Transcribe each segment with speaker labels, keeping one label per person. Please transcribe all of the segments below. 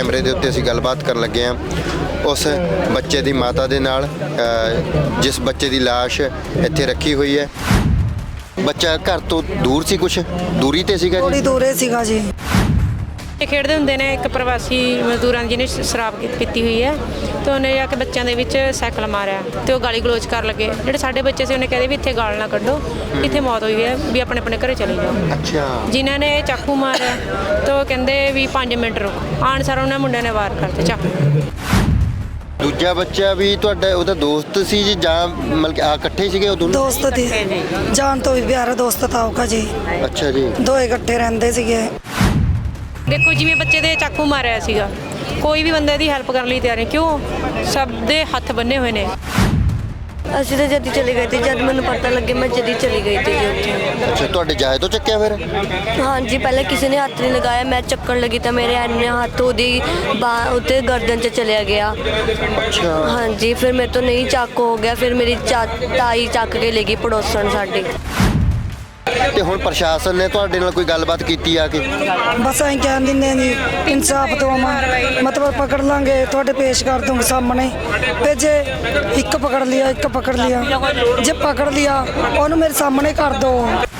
Speaker 1: कैमरे के उत्ते असीं गलबात करन लगे हाँ उस बच्चे की माता दे नाल जिस बच्चे की लाश इत्थे रखी हुई है। बच्चा घर तो दूर सी, कुछ दूरी ते सीगा
Speaker 2: थोड़ी
Speaker 1: जी?
Speaker 2: दूरे सीगा जी।
Speaker 3: ਖੇਡਦੇ ਹੁੰਦੇ ਨੇ ਇੱਕ ਪ੍ਰਵਾਸੀ ਮਜ਼ਦੂਰਾਂ ਜਿਹਨੇ ਸ਼ਰਾਬ ਪੀਤੀ ਹੋਈ ਹੈ ਤੇ ਉਹਨੇ ਜਾ ਕੇ ਬੱਚਿਆਂ ਦੇ ਵਿੱਚ ਸਾਈਕਲ ਮਾਰਿਆ ਤੇ ਉਹ ਗਾਲੀ ਗਲੋਚ ਕਰਨ ਲੱਗੇ। ਜਿਹੜੇ ਸਾਡੇ ਬੱਚੇ ਸੀ ਉਹਨੇ ਕਹਿੰਦੇ ਵੀ ਇੱਥੇ ਗਾਲ ਨਾ ਕੱਢੋ, ਇੱਥੇ ਮੌਤ ਹੋਈ ਹੈ, ਵੀ ਆਪਣੇ ਆਪਣੇ ਘਰੇ ਚਲੇ ਜਾਓ।
Speaker 1: अच्छा
Speaker 3: ਜਿਨ੍ਹਾਂ ਨੇ ਚਾਕੂ ਮਾਰਿਆ ਤਾਂ ਉਹ ਕਹਿੰਦੇ ਵੀ 5 ਮਿੰਟ ਰੁਕ, ਆਣ ਸਾਰ ਉਹਨਾਂ ਮੁੰਡਿਆਂ ਨੇ ਵਾਰ ਕਰਤੇ ਚਾਕੂ।
Speaker 1: ਦੂਜਾ ਬੱਚਾ ਵੀ ਤੁਹਾਡਾ ਉਹਦਾ ਦੋਸਤ ਸੀ ਜੀ ਜਾਂ ਮਤਲਬ ਕਿ ਆ ਇਕੱਠੇ ਸੀਗੇ ਉਹ ਦੋਨੋਂ?
Speaker 2: ਦੋਸਤ थे, जान तो भी प्यारा दोस्त था उसका जी।
Speaker 1: ਅੱਛਾ ਜੀ।
Speaker 2: दोए इकट्ठे रहंदे सीगे।
Speaker 3: ਦੇਖੋ ਜਿਵੇਂ ਬੱਚੇ ਦੇ ਚਾਕੂ ਮਾਰਿਆ ਸੀਗਾ, ਕੋਈ ਵੀ ਬੰਦੇ ਦੀ ਹੈਲਪ ਕਰਨ ਲਈ ਤਿਆਰ ਨਹੀਂ, ਕਿਉਂ? ਸਭ ਦੇ ਹੱਥ ਬੰਨੇ ਹੋਏ ਨੇ।
Speaker 4: ਅਸੀਂ ਤਾਂ ਜਦ ਹੀ ਚਲੇ ਗਏ ਤੇ ਜਦ ਮੈਨੂੰ ਪਤਾ ਲੱਗੇ ਮੈਂ ਜਦ ਹੀ ਚਲੀ ਗਈ ਤੇ ਜੀ ਉੱਥੇ।
Speaker 1: ਅੱਛਾ ਤੁਹਾਡੇ ਜਾਏ ਤੋਂ ਚੱਕਿਆ ਫਿਰ?
Speaker 4: ਹਾਂਜੀ ਪਹਿਲਾਂ ਕਿਸੇ ਨੇ ਹੱਥ ਨਹੀਂ ਲਗਾਇਆ, ਮੈਂ ਚੱਕਣ ਲੱਗੀ ਤਾਂ ਮੇਰੇ ਐਨੇ ਹੱਥ ਉਹਦੀ ਉੱਤੇ ਗਰਦਨ 'ਚ ਚਲਿਆ ਗਿਆ।
Speaker 1: ਅੱਛਾ
Speaker 4: ਹਾਂਜੀ ਫਿਰ ਮੇਰੇ ਤੋਂ ਨਹੀਂ ਚੱਕ ਹੋ ਗਿਆ, ਫਿਰ ਮੇਰੀ ਤਾਈ ਚੱਕ ਕੇ ਲੈ ਗਈ ਪੜੋਸਣ ਸਾਡੀ।
Speaker 1: ਤੇ ਹੁਣ ਪ੍ਰਸ਼ਾਸਨ ਨੇ ਤੁਹਾਡੇ ਨਾਲ ਕੋਈ ਗੱਲਬਾਤ ਕੀਤੀ ਆ ਕੇ?
Speaker 2: बस अं कह दिंदे जी इंसाफ दो, मतलब पकड़ लांगे थोड़े पेश कर दूंगे सामने। फिर जे एक पकड़ लिया, एक पकड़ लिया, जे पकड़ लिया ਉਹਨੂੰ ਮੇਰੇ ਸਾਹਮਣੇ ਕਰ ਦੋ।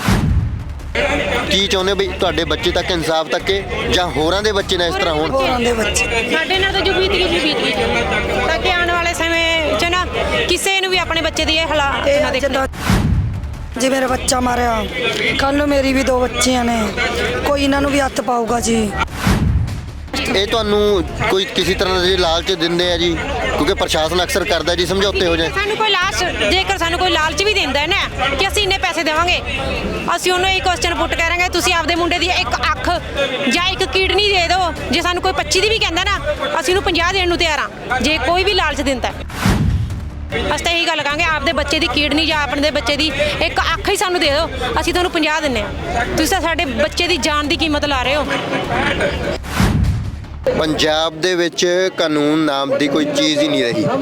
Speaker 1: ਕੀ ਚਾਹੁੰਦੇ ਹੋ ਵੀ ਤੁਹਾਡੇ ਬੱਚੇ ਤੱਕ ਇਨਸਾਫ ਤੱਕੇ ਜਾਂ ਹੋਰਾਂ ਦੇ ਬੱਚੇ ਨਾ ਇਸ ਤਰ੍ਹਾਂ ਹੋਣ?
Speaker 2: ਹੋਰਾਂ ਦੇ ਬੱਚੇ
Speaker 3: ਸਾਡੇ ਨਾਲ ਤਾਂ ਜੋ ਬੀਤ ਗਈ ਤਾਂ ਕਿ ਆਉਣ ਵਾਲੇ ਸਮੇਂ 'ਚ ਨਾ ਕਿਸੇ ਨੂੰ ਵੀ ਆਪਣੇ ਬੱਚੇ ਦੀ ਇਹ ਹਾਲਾਤ ਨਾ ਦੇਖਣ।
Speaker 2: ਜੇ ਮੇਰਾ ਬੱਚਾ ਮਾਰਿਆ ਕੱਲ ਨੂੰ ਮੇਰੀ ਵੀ 2 ਬੱਚੀਆਂ ਨੇ, ਕੋਈ ਇਹਨਾਂ ਨੂੰ ਵੀ ਹੱਥ ਪਾਊਗਾ ਜੀ।
Speaker 1: ਇਹ ਤੁਹਾਨੂੰ ਕੋਈ ਕਿਸੇ ਤਰ੍ਹਾਂ ਦੇ ਲਾਲਚ ਦਿੰਦੇ ਆ ਜੀ? ਕਿਉਂਕਿ ਪ੍ਰਸ਼ਾਸਨ ਅਕਸਰ ਕਰਦਾ ਜੀ ਸਮਝੌਤੇ ਹੋ ਜਾਏ।
Speaker 3: ਸਾਨੂੰ ਕੋਈ ਲਾਲਚ, ਜੇਕਰ ਸਾਨੂੰ ਕੋਈ ਲਾਲਚ ਵੀ ਦਿੰਦਾ ਹੈ ਨਾ ਕਿ ਅਸੀਂ ਇੰਨੇ ਪੈਸੇ ਦੇਵਾਂਗੇ, ਅਸੀਂ ਉਹਨੂੰ ਇਹ ਕੁਐਸਚਨ ਪੁੱਟ ਕਰਾਂਗੇ ਤੁਸੀਂ ਆਪਦੇ ਮੁੰਡੇ ਦੀ ਇੱਕ ਅੱਖ ਜਾਂ ਇੱਕ ਕਿਡਨੀ ਦੇ ਦਿਓ। ਜੇ ਸਾਨੂੰ ਕੋਈ 25 ਦੀ ਵੀ ਕਹਿੰਦਾ ਨਾ ਅਸੀਂ ਉਹਨੂੰ 50 ਦੇਣ ਨੂੰ ਤਿਆਰ ਹਾਂ, ਜੇ ਕੋਈ ਵੀ ਲਾਲਚ ਦਿੰਦਾ। ਅਸੀਂ ਤਾਂ ਇਹੀ ਗੱਲ ਕਹਾਂਗੇ ਆਪਦੇ ਬੱਚੇ ਦੀ ਕਿਡਨੀ ਜਾਂ ਆਪਣੇ ਦੇ ਬੱਚੇ ਦੀ ਇੱਕ ਅੱਖ ਹੀ ਸਾਨੂੰ ਦੇ ਦਿਓ, ਅਸੀਂ ਤੁਹਾਨੂੰ 50 ਦਿੰਦੇ ਹਾਂ। ਤੁਸੀਂ ਤਾਂ ਸਾਡੇ ਬੱਚੇ ਦੀ ਜਾਨ ਦੀ ਕੀਮਤ ਲਾ ਰਹੇ ਹੋ।
Speaker 1: ਪੰਜਾਬ ਦੇ ਵਿੱਚ ਕਾਨੂੰਨ ਨਾਮ ਦੀ ਕੋਈ ਚੀਜ਼ ਹੀ ਨਹੀਂ ਰਹੀ।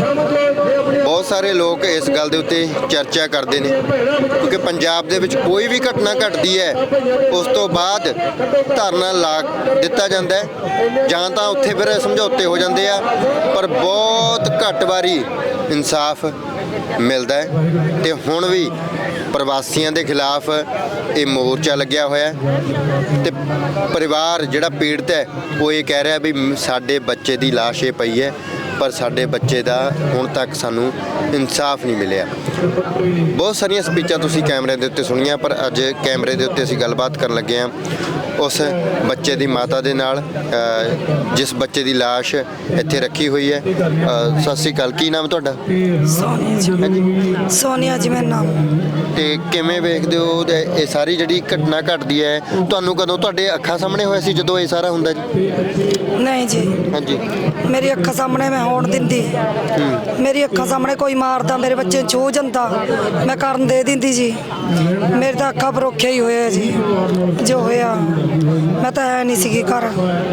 Speaker 1: ਬਹੁਤ ਸਾਰੇ ਲੋਕ ਇਸ ਗੱਲ ਦੇ ਉੱਤੇ ਚਰਚਾ ਕਰਦੇ ਨੇ ਕਿਉਂਕਿ ਪੰਜਾਬ ਦੇ ਵਿੱਚ ਕੋਈ ਵੀ ਘਟਨਾ ਘਟਦੀ ਹੈ ਉਸ ਤੋਂ ਬਾਅਦ ਧਰਨਾ ਲਾ ਦਿੱਤਾ ਜਾਂਦਾ ਹੈ ਜਾਂ ਤਾਂ ਉੱਥੇ ਫਿਰ ਸਮਝੌਤੇ ਹੋ ਜਾਂਦੇ ਆ, ਪਰ ਬਹੁਤ ਘੱਟ ਵਾਰੀ ਇਨਸਾਫ ਮਿਲਦਾ ਹੈ। ਤੇ ਹੁਣ ਵੀ ਪ੍ਰਵਾਸੀਆਂ ਦੇ ਖਿਲਾਫ ਇਹ ਮੋਰਚਾ ਲੱਗਿਆ ਹੋਇਆ ਤੇ ਪਰਿਵਾਰ ਜਿਹੜਾ ਪੀੜਤ ਹੈ ਉਹ ਇਹ ਕਹਿ ਰਿਹਾ ਵੀ ਸਾਡੇ ਬੱਚੇ ਦੀ ਲਾਸ਼ ਇਹ ਪਈ ਹੈ ਪਰ ਸਾਡੇ ਬੱਚੇ ਦਾ ਹੁਣ ਤੱਕ ਸਾਨੂੰ ਇਨਸਾਫ ਨਹੀਂ ਮਿਲਿਆ। ਬਹੁਤ ਸਾਰੀਆਂ ਸਪੀਚਾਂ ਤੁਸੀਂ ਕੈਮਰੇ ਦੇ ਉੱਤੇ ਸੁਣੀਆਂ, ਪਰ ਅੱਜ ਕੈਮਰੇ ਦੇ ਉੱਤੇ ਅਸੀਂ ਗੱਲਬਾਤ ਕਰਨ ਲੱਗੇ ਹਾਂ ਉਸ ਬੱਚੇ ਦੀ ਮਾਤਾ ਦੇ ਨਾਲ ਜਿਸ ਬੱਚੇ ਦੀ ਲਾਸ਼ ਇੱਥੇ ਰੱਖੀ ਹੋਈ ਹੈ। ਸਤਿ ਸ਼੍ਰੀ ਅਕਾਲ, ਕੀ ਨਾਮ ਤੁਹਾਡਾ?
Speaker 2: ਸੋਨੀਆ ਜੀ। ਸੋਨੀਆ ਜੀ ਮੇਰਾ ਨਾਮ।
Speaker 1: ਤੇ ਕਿਵੇਂ ਵੇਖਦੇ ਹੋ ਇਹ ਸਾਰੀ ਜਿਹੜੀ ਘਟਨਾ ਘਟਦੀ ਹੈ? ਤੁਹਾਨੂੰ ਕਦੋਂ ਤੁਹਾਡੇ ਅੱਖਾਂ ਸਾਹਮਣੇ ਹੋਇਆ ਸੀ ਜਦੋਂ ਇਹ ਸਾਰਾ ਹੁੰਦਾ ਜੀ?
Speaker 2: ਨਹੀਂ ਜੀ,
Speaker 1: ਹਾਂਜੀ
Speaker 2: ਮੇਰੀ ਅੱਖਾਂ ਸਾਹਮਣੇ ਮੈਂ ਹੋਣ ਦਿੰਦੀ। ਮੇਰੀ ਅੱਖਾਂ ਸਾਹਮਣੇ ਕੋਈ ਮਾਰਦਾ ਮੇਰੇ ਬੱਚੇ ਨੂੰ ਛੂਹ ਜਾਂਦਾ ਮੈਂ ਕਰਨ ਦੇ ਦਿੰਦੀ ਜੀ। ਮੇਰੇ ਤਾਂ ਅੱਖਾਂ ਪਰੋਖਿਆ ਹੀ ਹੋਇਆ ਜੀ ਜੋ ਹੋਇਆ। ਮੈਂ ਤਾਂ ਹੈ ਨਹੀਂ ਸੀਗੀ ਘਰ।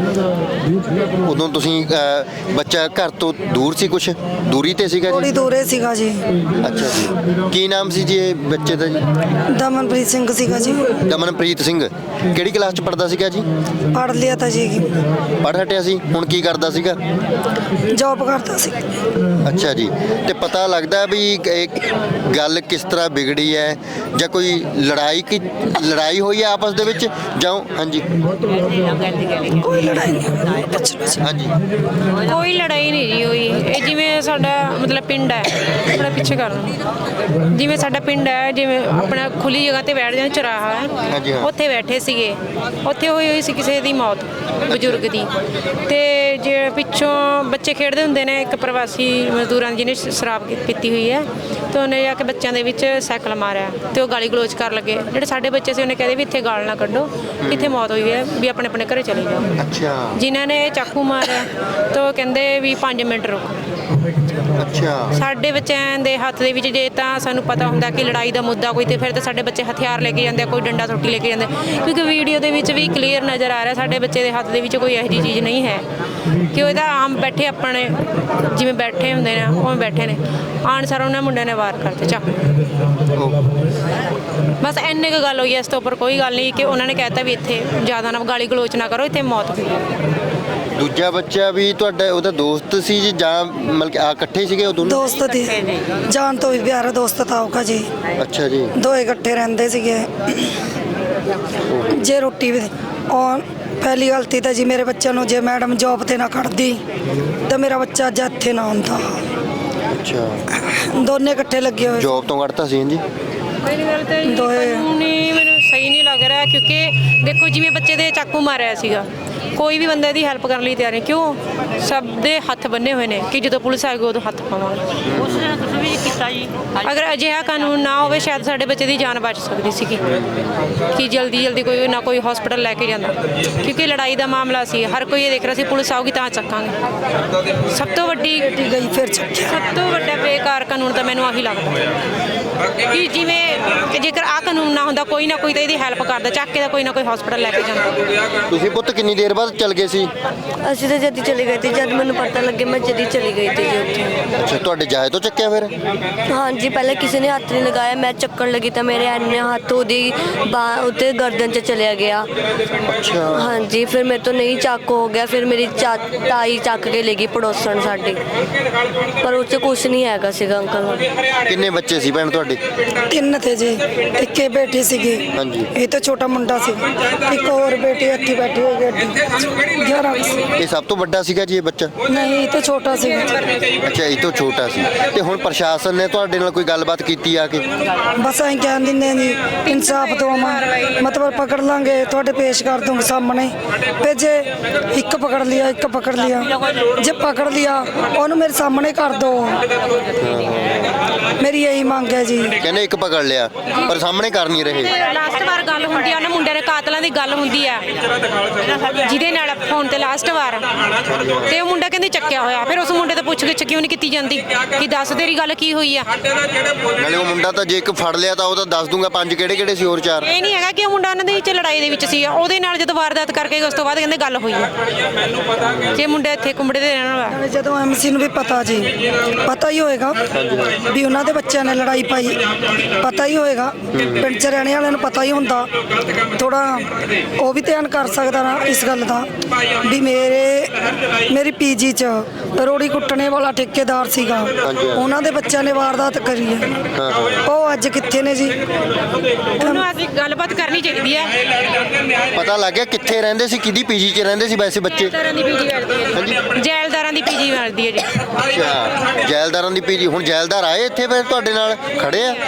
Speaker 1: ਉਦੋਂ ਤੁਸੀਂ ਬੱਚਾ ਘਰ ਤੋਂ ਦੂਰ ਸੀ, ਕੁਛ ਦੂਰੀ ਤੇ ਸੀਗਾ
Speaker 2: ਥੋੜੀ
Speaker 1: ਜੀ?
Speaker 2: ਦੂਰੇ ਸੀਗਾ ਜੀ।
Speaker 1: ਅੱਛਾ ਜੀ। ਕੀ ਨਾਮ ਸੀ ਜੀ ਇਹ ਬੱਚੇ ਦਾ ਜੀ?
Speaker 2: ਦਮਨਪ੍ਰੀਤ ਸਿੰਘ ਸੀਗਾ ਜੀ।
Speaker 1: ਦਮਨਪ੍ਰੀਤ ਸਿੰਘ। ਕਿਹੜੀ ਕਲਾਸ ਚ ਪੜਦਾ ਸੀਗਾ ਜੀ?
Speaker 2: ਪੜ੍ਹ ਲਿਆ ਤਾਂ ਜੀ,
Speaker 1: ਪੜ੍ਹ ਹਟਿਆ ਸੀ, ਹੁਣ ਕੀ ਕਰਦਾ ਸੀਗਾ?
Speaker 2: ਜੌਬ ਕਰਦਾ ਸੀ।
Speaker 1: ਅੱਛਾ ਜੀ। ਤੇ ਪਤਾ ਲੱਗਦਾ ਵੀ ਇਹ ਗੱਲ ਕਿਸ ਤਰ੍ਹਾਂ ਵਿਗੜੀ ਹੈ ਜਾਂ ਕੋਈ ਲੜਾਈ ਹੋਈ ਹੈ ਆਪਸ ਦੇ ਵਿੱਚ ਜਾਂ? ਹਾਂਜੀ
Speaker 2: ਕੋਈ ਲੜਾਈ ਨਹੀਂ ਪੁੱਛਣਾ।
Speaker 1: ਹਾਂਜੀ
Speaker 3: ਕੋਈ ਲੜਾਈ ਨਹੀਂ ਜੀ ਹੋਈ। ਇਹ ਜਿਵੇਂ ਸਾਡਾ ਮਤਲਬ ਪਿੰਡ ਹੈ, ਆਪਣਾ ਪਿੱਛੇ ਕਰ ਲਓ, ਜਿਵੇਂ ਸਾਡਾ ਪਿੰਡ ਹੈ, ਜਿਵੇਂ ਆਪਣਾ ਖੁੱਲੀ ਜਗ੍ਹਾ ਤੇ ਬੈਠ ਜਾਂਦੇ, ਚੁਰਾਹਾ
Speaker 1: ਹਾਂਜੀ,
Speaker 3: ਹੈ,
Speaker 1: ਹਾਂ।
Speaker 3: ਉੱਥੇ ਬੈਠੇ ਸੀਗੇ, ਉੱਥੇ ਹੋਈ ਸੀ ਕਿਸੇ ਦੀ ਮੌਤ ਬਜ਼ੁਰਗ ਦੀ। ਤੇ ਜੇ ਪਿੱਛੋਂ ਬੱਚੇ ਖੇਡਦੇ ਹੁੰਦੇ ਨੇ ਇੱਕ ਪ੍ਰਵਾਸੀ ਮਜ਼ਦੂਰਾਂ ਜਿਹਨੇ ਸ਼ਰਾਬ ਪੀਤੀ ਹੋਈ ਹੈ ਤੇ ਉਹਨੇ ਜਾ ਕੇ ਬੱਚਿਆਂ ਦੇ ਵਿੱਚ ਸਾਈਕਲ ਮਾਰਿਆ ਤੇ ਉਹ ਗਾਲੀ ਗਲੋਚ ਕਰਨ ਲੱਗੇ। ਜਿਹੜੇ ਸਾਡੇ ਬੱਚੇ ਸੀ ਉਹਨੇ ਕਹਿੰਦੇ ਵੀ ਇੱਥੇ ਗਾਲ ਨਾ ਕੱਢੋ, ਇੱਥੇ ਮੌਤ ਹੋਈ ਹੈ, ਵੀ ਆਪਣੇ ਆਪਣੇ ਘਰੇ ਚਲੇ ਜਾਓ।
Speaker 1: ਅੱਛਾ
Speaker 3: ਜਿਨ੍ਹਾਂ ਨੇ ਚਾਕੂ ਮਾਰਿਆ ਤਾਂ ਉਹ ਕਹਿੰਦੇ ਵੀ 5 ਮਿੰਟ ਰੁਕ।
Speaker 1: ਅੱਛਾ।
Speaker 3: ਸਾਡੇ ਬੱਚਿਆਂ ਦੇ ਹੱਥ ਦੇ ਵਿੱਚ ਜੇ ਤਾਂ ਸਾਨੂੰ ਪਤਾ ਹੁੰਦਾ ਕਿ ਲੜਾਈ ਦਾ ਮੁੱਦਾ ਕੋਈ, ਤੇ ਫਿਰ ਤਾਂ ਸਾਡੇ ਬੱਚੇ ਹਥਿਆਰ ਲੈ ਕੇ ਜਾਂਦੇ ਆ, ਕੋਈ ਡੰਡਾ ਸੋਟੀ ਲੈ ਕੇ ਜਾਂਦੇ, ਕਿਉਂਕਿ ਵੀਡੀਓ ਦੇ ਵਿੱਚ ਵੀ ਕਲੀਅਰ ਨਜ਼ਰ ਆ ਰਿਹਾ ਸਾਡੇ ਬੱਚੇ ਦੇ ਹੱਥ ਦੇ ਵਿੱਚ ਕੋਈ ਇਹੋ ਜਿਹੀ ਚੀਜ਼ ਨਹੀਂ ਹੈ ਕਿ ਉਹ ਤਾਂ ਆਮ ਬੈਠੇ ਆਪਣੇ ਜਿਵੇਂ ਬੈਠੇ ਹੁੰਦੇ ਨੇ ਉਵੇਂ ਬੈਠੇ ਨੇ। ਆਣ ਸਾਰ ਉਹਨਾਂ ਮੁੰਡਿਆਂ ਨੇ ਵਾਰ ਕਰਤੇ ਚਾਕੂ। ਬਸ ਇੰਨੀ ਕੁ ਗੱਲ ਹੋਈ ਹੈ, ਇਸ ਤੋਂ ਉੱਪਰ ਕੋਈ ਗੱਲ ਨਹੀਂ ਕਿ ਉਹਨਾਂ ਨੇ ਕਹਿਤਾ ਵੀ ਇੱਥੇ ਜ਼ਿਆਦਾ ਨਾ ਗਾਲੀ ਗਲੋਚ ਨਾ ਕਰੋ, ਇੱਥੇ ਮੌਤ ਹੋਈ।
Speaker 1: ਦੂਜਾ ਬੱਚਾ ਵੀ ਤੁਹਾਡਾ ਉਹਦਾ ਦੋਸਤ ਸੀ ਜੀ ਜਾਂ ਮਤਲਬ ਕਿ ਆ ਇਕੱਠੇ ਸੀਗੇ ਉਹ ਦੋਨੋਂ?
Speaker 2: ਦੋਸਤ थे जान तो भी प्यारा दोस्त था उसका जी
Speaker 1: ਅੱਛਾ ਜੀ।
Speaker 2: दोए इकट्ठे रहंदे सीगे जे रोटी भी और पहली गलती तो जी मेरे बच्चे ਨੂੰ ਜੇ मैडम जॉब ਤੇ ਨਾ ਕੱਢਦੀ ਤਾਂ ਮੇਰਾ ਬੱਚਾ ਅੱਜ ਇੱਥੇ ਨਾ ਹੁੰਦਾ।
Speaker 1: ਅੱਛਾ
Speaker 2: ਦੋਨੇ ਇਕੱਠੇ ਲੱਗੇ ਹੋਏ
Speaker 1: ਜੌਬ ਤੋਂ ਕੱਢਤਾ ਸੀ ਜੀ?
Speaker 3: ਪਹਿਲੀ ਗੱਲ ਤਾਂ
Speaker 2: ਦੋਏ।
Speaker 3: ਨਹੀਂ ਮੈਨੂੰ ਸਹੀ ਨਹੀਂ ਲੱਗ ਰਿਹਾ ਕਿਉਂਕਿ ਦੇਖੋ ਜਿਵੇਂ ਬੱਚੇ ਦੇ ਚਾਕੂ ਮਾਰਿਆ ਸੀਗਾ ਕੋਈ ਵੀ ਬੰਦੇ ਦੀ ਹੈਲਪ ਕਰਨ ਲਈ ਤਿਆਰ ਨਹੀਂ ਕਿਉਂ ਸਭ ਦੇ ਹੱਥ ਬੰਨੇ ਹੋਏ ਨੇ ਕਿ ਜਦੋਂ ਪੁਲਿਸ ਆਏਗੀ ਉਦੋਂ ਹੱਥ ਪਾਵਾਂਗੇ।
Speaker 5: ਉਸਨੇ ਤੁਸੀਂ ਵੀ ਕੀਤਾ ਜੀ।
Speaker 3: ਅਗਰ ਅਜਿਹਾ ਕਾਨੂੰਨ ਨਾ ਹੋਵੇ ਸ਼ਾਇਦ ਸਾਡੇ ਬੱਚੇ ਦੀ ਜਾਨ ਬਚ ਸਕਦੀ ਸੀਗੀ ਕਿ ਜਲਦੀ ਕੋਈ ਨਾ ਕੋਈ ਹਸਪੀਟਲ ਲੈ ਕੇ ਜਾਂਦਾ ਕਿਉਂਕਿ ਲੜਾਈ ਦਾ ਮਾਮਲਾ ਸੀ ਹਰ ਕੋਈ ਇਹ ਦੇਖ ਰਿਹਾ ਸੀ ਪੁਲਿਸ ਆਊਗੀ ਤਾਂ ਚੱਕਾਂਗੇ। ਸਭ ਤੋਂ ਵੱਡੀ
Speaker 2: ਗਈ ਫਿਰ ਚੱਕਿਆ।
Speaker 3: ਸਭ ਤੋਂ ਵੱਡਾ ਬੇਕਾਰ ਕਾਨੂੰਨ ਤਾਂ ਮੈਨੂੰ ਆਹੀ ਲੱਗਦਾ ਕਿ ਜਿਵੇਂ ਜੇਕਰ ਆ ਕਾਨੂੰਨ ਨਾ ਹੁੰਦਾ ਕੋਈ ਨਾ ਕੋਈ ਤਾਂ ਇਹਦੀ ਹੈਲਪ ਕਰਦਾ ਚੱਕ ਕੇ ਤਾਂ ਕੋਈ ਨਾ ਕੋਈ ਹਸਪੀਟਲ ਲੈ ਕੇ ਜਾਂਦਾ।
Speaker 1: ਤੁਸੀਂ ਪੁੱਤ ਕਿੰਨੀ ਦੇਰ ਬਾਅਦ ਚੱਲ ਗਏ ਸੀ?
Speaker 4: ਅਸੀਂ ਤਾਂ ਜਦ ਹੀ ਚਲੇ ਗਏ ਸੀ ਜਦ ਮੈਨੂੰ ਪਤਾ ਲੱਗੇ ਮੈਂ ਜਦ ਹੀ ਚਲੀ ਗਈ ਸੀ ਜੀ ਉੱਥੇ।
Speaker 1: ਅੱਛਾ ਤੁਹਾਡੇ ਜਾਏ ਤੋਂ ਚੱਕਿਆ ਫਿਰ?
Speaker 4: ਹਾਂਜੀ ਪਹਿਲੇ ਕਿਸੇ ਨੇ ਹੱਥ ਨਹੀਂ ਲਗਾਇਆ ਮੈਂ ਚੱਕਣ ਲੱਗੀ ਤਾਂ ਮੇਰੇ ਐਨੇ ਹੱਥ ਉਹਦੀ ਬਾਹ ਉੱਤੇ ਗਰਦਨ 'ਚ ਚਲਿਆ ਗਿਆ।
Speaker 1: ਅੱਛਾ
Speaker 4: ਹਾਂਜੀ ਫਿਰ ਮੇਰੇ ਤੋਂ ਨਹੀਂ ਚੱਕ ਹੋ ਗਿਆ ਫਿਰ ਮੇਰੀ ਤਾਈ ਚੱਕ ਕੇ ਲੈ ਗਈ ਪੜੋਸਣ ਸਾਡੀ ਪਰ ਉਹ 'ਚ ਕੁਛ ਨਹੀਂ ਹੈਗਾ ਸੀਗਾ ਅੰਕਲ।
Speaker 1: ਕਿੰਨੇ ਬੱਚੇ ਸੀ ਭੈਣ ਤੁਹਾਡੇ?
Speaker 2: ਤਿੰਨ ਥੇ ਜੀ ਇੱਕੇ ਬੇਟੀ ਸੀਗੀ
Speaker 1: ਹਾਂਜੀ।
Speaker 2: ਇਹ ਤਾਂ ਛੋਟਾ ਮੁੰਡਾ ਸੀ ਇੱਕ ਹੋਰ ਬੇਟੀ ਇੱਥੇ ਬੈਠੀ ਹੋਈ ਗੱਡੀ 11
Speaker 1: ਇਹ ਸਭ ਤੋਂ ਵੱਡਾ ਸੀਗਾ ਜੀ ਇਹ ਬੱਚਾ?
Speaker 2: ਨਹੀਂ ਇਹ ਤਾਂ ਛੋਟਾ ਸੀ
Speaker 1: ਅੱਛਾ ਇਹ ਤੋਂ ਛੋਟਾ ਸੀ। ਤੇ ਹੁਣ ਪ੍ਰਸ਼ਾਸਨ ਨੇ ਤੁਹਾਡੇ ਨਾਲ ਕੋਈ ਗੱਲਬਾਤ ਕੀਤੀ ਆ ਕੇ?
Speaker 2: ਬਸ ਐਂ ਕਹਿ ਦਿੰਦੇ ਜੀ ਇਨਸਾਫ ਦਵਾਵਾਂ ਮਤਲਬ ਪਕੜ ਲਾਂਗੇ ਤੁਹਾਡੇ ਪੇਸ਼ ਕਰ ਦੂੰਗੇ ਸਾਹਮਣੇ ਤੇ ਜੇ ਇੱਕ ਪਕੜ ਲਿਆ ਜੇ ਪਕੜ ਲਿਆ ਉਹਨੂੰ ਮੇਰੇ ਸਾਹਮਣੇ ਕਰ ਦੋ ਮੇਰੀ ਇਹੀ ਮੰਗ ਹੈ ਜੀ।
Speaker 1: ਕਹਿੰਦੇ ਇੱਕ ਪਕੜ ਲਿਆ ਪਰ ਸਾਹਮਣੇ ਕਰ ਨਹੀਂ ਰਹੇ।
Speaker 3: ਲਾਸਟ ਵਾਰ ਗੱਲ ਹੁੰਦੀ ਆ ਉਹਨਾਂ ਮੁੰਡਿਆਂ ਦੇ ਕਾਤਲਾਂ ਦੀ ਗੱਲ ਹੁੰਦੀ ਆ ਜਿਹਦੇ ਨਾਲ ਫੋਨ ਤੇ ਲਾਸਟ ਵਾਰ ਤੇ ਉਹ ਮੁੰਡਾ ਕਹਿੰਦੇ ਚੱਕਿਆ ਹੋਇਆ ਫਿਰ ਉਸ ਮੁੰਡੇ ਤੋਂ ਪੁੱਛ ਗਿੱਛ ਕਿਉਂ ਨਹੀਂ ਕੀਤੀ ਜਾਂਦੀ ਕਿ ਦੱਸ ਤੇਰੀ ਗੱਲ ਕੀ ਹੋਈ ਆ।
Speaker 1: ਨਾਲੇ ਉਹ ਮੁੰਡਾ ਤਾਂ ਜੇ ਇੱਕ ਫੜ ਲਿਆ ਤਾਂ ਉਹ ਤਾਂ ਦੱਸ ਦੂੰਗਾ ਪੰਜ ਕਿਹੜੇ ਸੀ ਹੋਰ ਚਾਰ।
Speaker 3: ਇਹ ਨਹੀਂ ਹੈਗਾ ਕਿ ਉਹ ਮੁੰਡਾ ਉਹਨਾਂ ਦੇ ਵਿੱਚ ਲੜਾਈ ਦੇ ਵਿੱਚ ਸੀ ਉਹਦੇ ਨਾਲ ਜਦੋਂ ਵਾਰਦਾਤ ਕਰਕੇ ਉਸ ਤੋਂ ਬਾਅਦ ਕਹਿੰਦੇ ਗੱਲ ਹੋਈ ਆ ਜੇ ਮੁੰਡਾ ਇੱਥੇ ਕੁੰਬੜੇ ਦੇ ਰਹਿਣ ਵਾਲਾ।
Speaker 2: ਜਦੋਂ ਐਮਸੀ ਨੂੰ ਵੀ ਪਤਾ ਹੀ ਹੋਏਗਾ ਵੀ ਉਹਨਾਂ ਦੇ ਬੱਚਿਆਂ ਨੇ ਲੜਾਈ ਪਾਈ ਪਤਾ ਹੀ ਹੋਏਗਾ ਪਿੰਡ ਚ ਰਹਿਣੇ ਵਾਲਿਆਂ ਨੂੰ ਪਤਾ ਹੀ ਹੁੰਦਾ ਥੋੜਾ ਉਹ ਵੀ ਧਿਆਨ ਕਰ ਸਕਦਾ ਨਾ ਇਸ ਗੱਲ ਦਾ ਵੀ ਮੇਰੀ ਪੀਜੀ ਚ ਰੋੜੀ ਕੁੱਟਣੇ ਵਾਲਾ ਠੇਕੇਦਾਰ ਸੀਗਾ ਉਹਨਾਂ ਦੇ ਬੱਚਿਆਂ ਨੇ ਵਾਰਦਾਤ ਕਰੀ ਹੈ ਉਹ ਅੱਜ ਕਿੱਥੇ ਨੇ ਜੀ?
Speaker 3: ਉਹਨੂੰ ਅਸੀਂ ਗੱਲਬਾਤ ਕਰਨੀ ਚਾਹੀਦੀ ਆ।
Speaker 1: ਪਤਾ ਲੱਗ ਗਿਆ ਕਿੱਥੇ ਰਹਿੰਦੇ ਸੀ ਕਿਹਦੀ ਪੀਜੀ 'ਚ ਰਹਿੰਦੇ ਸੀ ਵੈਸੇ ਬੱਚੇ?
Speaker 3: ਜੈਲਦਾਰਾਂ ਦੀ ਪੀਜੀ ਮਿਲਦੀ ਹੈ ਜੀ ਜੈਲਦਾਰਾਂ ਦੀ ਪੀਜੀ ਮਿਲਦੀ ਹੈ ਜੀ।
Speaker 1: ਅੱਛਾ ਜੈਲਦਾਰਾਂ ਦੀ ਪੀਜੀ। ਹੁਣ ਜੈਲਦਾਰ ਆਏ ਇੱਥੇ ਫਿਰ ਤੁਹਾਡੇ ਨਾਲ ਖੜੇ ਆ?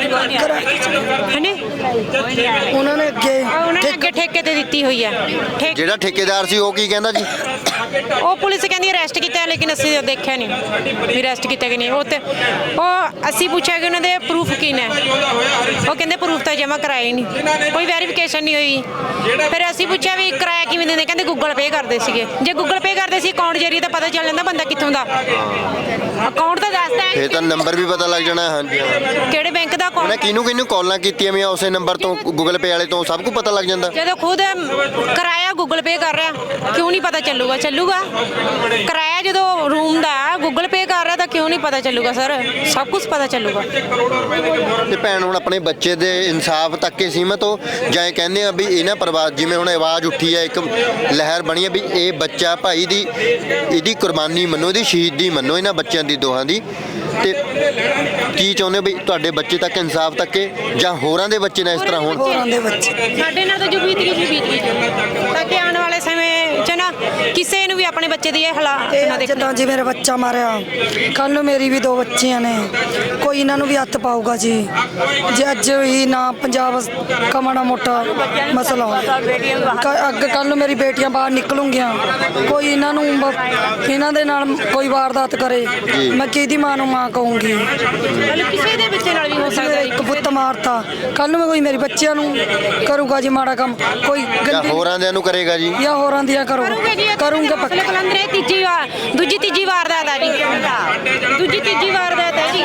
Speaker 3: ਹਨੇ
Speaker 2: ਉਹਨਾਂ ਨੇ
Speaker 3: ਅੱਗੇ ਠੇਕੇ ਤੇ ਦਿੱਤੀ ਹੋਈ ਆ
Speaker 1: ਜਿਹੜਾ ਠੇਕੇਦਾਰ ਸੀ ਉਹ ਕੀ ਕਹਿੰਦਾ ਜੀ?
Speaker 3: ਉਹ ਪੁਲਿਸ ਕਹਿੰਦੀ ਅਰੈਸਟ ਕੀਤਾ ਲੇਕਿਨ ਅਸੀਂ ਦੇਖਿਆ ਨਹੀਂ ਵੀ ਅਰੈਸਟ ਕੀਤਾ ਕਿ ਨਹੀਂ। ਉਹ ਅਸੀਂ ਪੁੱਛਿਆ ਕਿ ਉਹਨਾਂ ਦੇ ਪ੍ਰੂਫ ਕੀ ਨੇ ਉਹ ਕਹਿੰਦੇ ਪ੍ਰੂਫ ਤਾਂ ਜਮ੍ਹਾਂ ਕਰਾਏ ਨਹੀਂ ਕੋਈ ਵੈਰੀਫਿਕੇਸ਼ਨ ਨਹੀਂ ਹੋਈ। ਫਿਰ ਅਸੀਂ ਪੁੱਛਿਆ ਵੀ ਕਿਰਾਇਆ ਕਿਵੇਂ ਦਿੰਦੇ ਕਹਿੰਦੇ ਗੂਗਲ ਪੇ ਕਰਦੇ ਸੀਗੇ ਜੇ ਗੂਗਲ ਪੇ ਕਰਦੇ ਸੀ ਅਕਾਊਂਟ ਜਰੀਏ ਤਾਂ ਪਤਾ ਚੱਲ ਜਾਂਦਾ ਬੰਦਾ ਕਿੱਥੋਂ ਦਾ ਅਕਾਊਂਟ ਤਾਂ ਦੱਸਦਾ ਹੈ
Speaker 1: ਫੇਰ ਤਾਂ ਨੰਬਰ ਵੀ ਪਤਾ ਲੱਗ ਜਾਣਾ। ਹਾਂਜੀ
Speaker 3: ਕਿਹੜੇ ਬੈਂਕ ਦਾ
Speaker 1: ਉਹਨੇ
Speaker 3: ਅਕਾਊਂਟ
Speaker 1: ਕਿਹਨੂੰ ਕਾਲਾਂ ਕੀਤੀਆਂ ਵੀ ਉਸੇ ਨੰਬਰ ਤੋਂ ਗੂਗਲ ਪੇ ਵਾਲੇ ਤੋਂ ਸਭ ਕੁਝ ਪਤਾ ਲੱਗ ਜਾਂਦਾ।
Speaker 3: ਜਦੋਂ ਖੁਦ ਕਿਰਾਇਆ ਗੂਗਲ ਪੇ ਕਰ ਰਿਹਾ ਕਿਉਂ ਨਹੀਂ ਪਤਾ ਚੱਲੂਗਾ ਕਿਰਾਇਆ ਜਦੋਂ ਰੂਮ ਦਾ ਗੂਗਲ ਪੇ ਕਰ ਰਿਹਾ ਤਾਂ ਕਿਉਂ ਨਹੀਂ ਪਤਾ ਚੱਲੂਗਾ ਸਰ ਸਭ ਕੁਝ ਪਤਾ ਚੱਲੂਗਾ।
Speaker 1: ਤੇ ਭੈਣ ਹੁਣ ਆਪਣੇ ਬੱਚੇ ਦੇ ਇਨਸਾਫ ਤੱਕ ਹੀ ਸੀਮਤ ਹੋ ਜਾਂ ਇਹ ਕਹਿੰਦੇ ਆ ਵੀ ਇਹਨਾਂ ਪਰਿਵਾਰ ਜਿਵੇਂ ਹੁਣ ਆਵਾਜ਼ ਉੱਠੀ ਹੈ ਇੱਕ ਲਹਿਰ ਬਣੀ ਹੈ ਵੀ ਇਹ ਬੱਚਾ ਭਾਈ ਦੀ ਇਹਦੀ ਕੁਰਬਾਨੀ ਮੰਨੋ ਇਹਦੀ ਸ਼ਹੀਦੀ ਮੰਨੋ ਇਹਨਾਂ ਬੱਚਿਆਂ ਦੀ ਦੋਹਾਂ ਦੀ ਤੇ ਕੀ ਚਾਹੁੰਦੇ ਵੀ ਤੁਹਾਡੇ ਬੱਚੇ ਤੱਕ ਇਨਸਾਫ ਤੱਕੇ ਜਾਂ ਹੋਰਾਂ ਦੇ ਬੱਚੇ ਨਾਲ ਇਸ ਤਰ੍ਹਾਂ ਹੋਣ?
Speaker 2: ਹੋਰਾਂ ਦੇ ਬੱਚੇ
Speaker 3: ਸਾਡੇ ਨਾਲ ਤਾਂ ਜੋ ਬੀਤ ਗਈ ਤਾਂ ਕਿ ਆਉਣ ਵਾਲੇ ਸਮੇਂ 'ਚ ਨਾ ਕਿਸੇ ਨੂੰ ਵੀ ਆਪਣੇ ਬੱਚੇ ਦੀ ਇਹ ਹਾਲਾਤ ਨਾ ਦੇਖਣ।
Speaker 2: ਜਿੱਦਾਂ ਜੀ ਮੇਰਾ ਬੱਚਾ ਮਾਰਿਆ ਕੱਲ ਨੂੰ ਮੇਰੀ ਵੀ 2 ਬੱਚੀਆਂ ਨੇ ਕੋਈ ਇਹਨਾਂ ਨੂੰ ਵੀ ਹੱਥ ਪਾਊਗਾ ਜੀ ਜੇ ਅੱਜ ਹੀ ਨਾ ਪੰਜਾਬ ਕਮਾਣਾ ਮੋਟਾ ਮਸਲਾ ਅੱਗੇ ਕੱਲ ਨੂੰ ਮੇਰੀ ਬੇਟੀਆਂ ਬਾਹਰ ਨਿਕਲੂਗੀਆਂ ਕੋਈ ਇਹਨਾਂ ਦੇ ਨਾਲ ਕੋਈ ਵਾਰਦਾਤ ਕਰੇ ਮੈਂ ਕਿਹਦੀ ਮਾਂ ਨੂੰ ਮਾਂ ਕਹੂੰਗੀ?
Speaker 3: ਕਿਸੇ ਦੇ ਬੱਚੇ ਨਾਲ ਵੀ ਹੋ ਸਕਦਾ
Speaker 2: ਇੱਕ ਪੁੱਤ ਮਾਰਤਾ ਕੱਲ ਨੂੰ ਕੋਈ ਮੇਰੇ ਬੱਚਿਆਂ ਨੂੰ ਕਰੂਗਾ ਜੀ ਮਾੜਾ ਕੰਮ ਕੋਈ
Speaker 1: ਜਾਂ ਹੋਰਾਂ ਦੇ ਨੂੰ ਕਰੇਗਾ ਜੀ
Speaker 2: ਜਾਂ ਹੋਰਾਂ ਦੀਆਂ ਕਰੂੰਗਾ ਪੱਕਾ।
Speaker 3: ਕਲੰਦਰੇ ਤੀਜੀ ਵਾਰ ਦੂਜੀ ਤੀਜੀ ਵਾਰਦਾਤ ਆ ਜੀ ਦੂਜੀ ਤੀਜੀ ਵਾਰਦਾਤ ਹੈ ਜੀ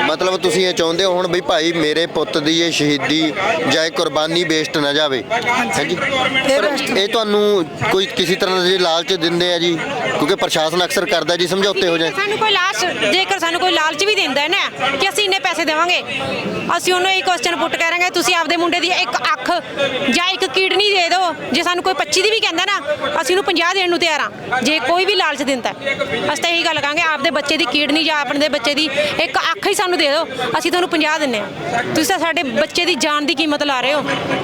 Speaker 1: ਮਤਲਬ ਤੁਸੀਂ ਇਹ ਚਾਹੁੰਦੇ ਹੋ ਹੁਣ ਵੀ ਭਾਈ ਮੇਰੇ ਪੁੱਤ ਦੀ ਇਹ ਸ਼ਹੀਦੀ ਜਾਂ ਇਹ ਕੁਰਬਾਨੀ ਵੇਸਟ ਨਾ ਜਾਵੇ, ਹਾਂਜੀ। ਪਰ ਇਹ ਤੁਹਾਨੂੰ ਕੋਈ ਕਿਸੇ ਤਰ੍ਹਾਂ ਦੇ ਲਾਲਚ ਦਿੰਦੇ ਆ ਜੀ, ਕਿਉਂਕਿ ਪ੍ਰਸ਼ਾਸਨ ਅਕਸਰ ਕਰਦਾ ਜੀ ਸਮਝੌਤੇ ਹੋ ਜਾਏ।
Speaker 3: ਸਾਨੂੰ ਕੋਈ ਜੇਕਰ ਸਾਨੂੰ ਕੋਈ ਲਾਲਚ ਵੀ ਦਿੰਦਾ ਹੈ ਨਾ ਕਿ ਅਸੀਂ ਇੰਨੇ ਪੈਸੇ ਦੇਵਾਂਗੇ, ਅਸੀਂ ਉਹਨੂੰ ਇਹ ਕੁਐਸਚਨ ਪੁੱਟ ਕਰਾਂਗੇ ਤੁਸੀਂ ਆਪਦੇ ਮੁੰਡੇ ਦੀ ਇੱਕ ਅੱਖ ਜਾਂ ਇੱਕ ਕਿਡਨੀ ਦੇ ਦਿਓ। ਜੇ ਸਾਨੂੰ ਕੋਈ 25 ਦੀ ਵੀ ਕਹਿੰਦਾ ਨਾ, ਅਸੀਂ ਉਹਨੂੰ 50 ਦੇਣ ਨੂੰ ਤਿਆਰ ਹਾਂ। ਜੇ ਕੋਈ ਵੀ ਲਾਲਚ ਦਿੰਦਾ, ਅਸੀਂ ਤਾਂ ਇਹੀ ਗੱਲ ਕਹਾਂਗੇ ਆਪਦੇ ਬੱਚੇ ਦੀ ਕਿਡਨੀ ਜਾਂ ਆਪਣੇ ਦੇ ਬੱਚੇ ਦੀ ਇੱਕ ਅੱਖ ਹੀ ਸਾਨੂੰ ਦੇ ਦਿਓ, ਅਸੀਂ ਤੁਹਾਨੂੰ 50 ਦਿੰਨੇ ਆ। ਤੁਸੀਂ ਤਾਂ ਸਾਡੇ ਬੱਚੇ ਦੀ ਜਾਨ ਦੀ ਕੀਮਤ ਲਾ ਰਹੇ ਹੋ।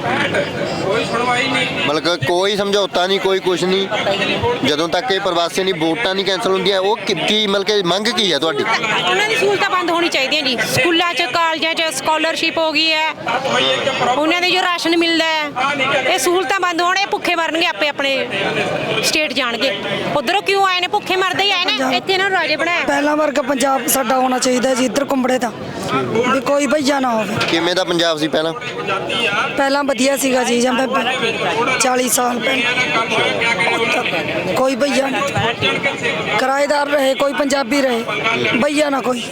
Speaker 1: ਮਤਲਬ ਕੋਈ ਸਮਝੌਤਾ ਨਹੀਂ, ਕੋਈ ਕੁਝ ਨਹੀਂ, ਜਦੋਂ ਤੱਕ ਇਹ ਪ੍ਰਵਾਸੀਆਂ ਦੀ ਵੋਟਾਂ ਨਹੀਂ ਕੈਂਸਲ ਹੁੰਦੀਆਂ। ਉਹ ਕੀ ਮਤਲਬ ਕਿ ਮੰਗ ਕੀ ਹੈ ਤੁਹਾਡੀ?
Speaker 3: ਉਹਨਾਂ ਦੀ ਸਹੂਲਤਾਂ ਬੰਦ ਹੋਣੀ ਚਾਹੀਦੀਆਂ ਜੀ। ਸਕੂਲਾਂ 'ਚ ਕਾਲਜਾਂ 'ਚ ਸਕਾਲਰਸ਼ਿਪ ਹੋ ਗਈ ਹੈ, ਉਹਨਾਂ ਦੇ ਜੋ ਰਾਸ਼ਨ ਮਿਲਦਾ ਹੈ, ਇਹ ਸਹੂਲਤਾਂ ਬੰਦ ਹੋਣ। ਇਹ ਭੁੱਖੇ ਮਰਨਗੇ ਆਪੇ ਆਪਣੇ ਸਟੇਟ ਜਾਣਗੇ। ਉਧਰੋਂ ਕਿਉਂ ਆਏ ਨੇ? ਭੁੱਖੇ ਮਰਦੇ ਹੀ ਆਏ ਨੇ। ਇੱਥੇ ਇਹਨਾਂ ਨੂੰ ਰਾਜੇ ਬਣਾਇਆ।
Speaker 2: ਪਹਿਲਾਂ ਵਰਗਾ ਪੰਜਾਬ ਸਾਡਾ ਹੋਣਾ ਚਾਹੀਦਾ ਜੀ, ਇੱਧਰ ਕੁੰਬੜੇ ਦਾ ਵੀ ਕੋਈ ਭਈਆ ਨਾ ਹੋਵੇ।
Speaker 1: ਕਿਵੇਂ ਦਾ ਪੰਜਾਬ ਸੀ ਪਹਿਲਾਂ?
Speaker 2: ਪਹਿਲਾਂ ਵਧੀਆ ਸੀਗਾ ਜੀ, ਜਾਂ 40 ਸਾਲ ਪਹਿਲਾਂ ਕੋਈ ਭਈਆ ਨਹੀਂ, ਕਿਰਾਏਦਾਰ ਰਹੇ, ਕੋਈ ਪੰਜਾਬੀ ਰਹੇ, ਭਈਆ ਨਾ ਕੋਈ।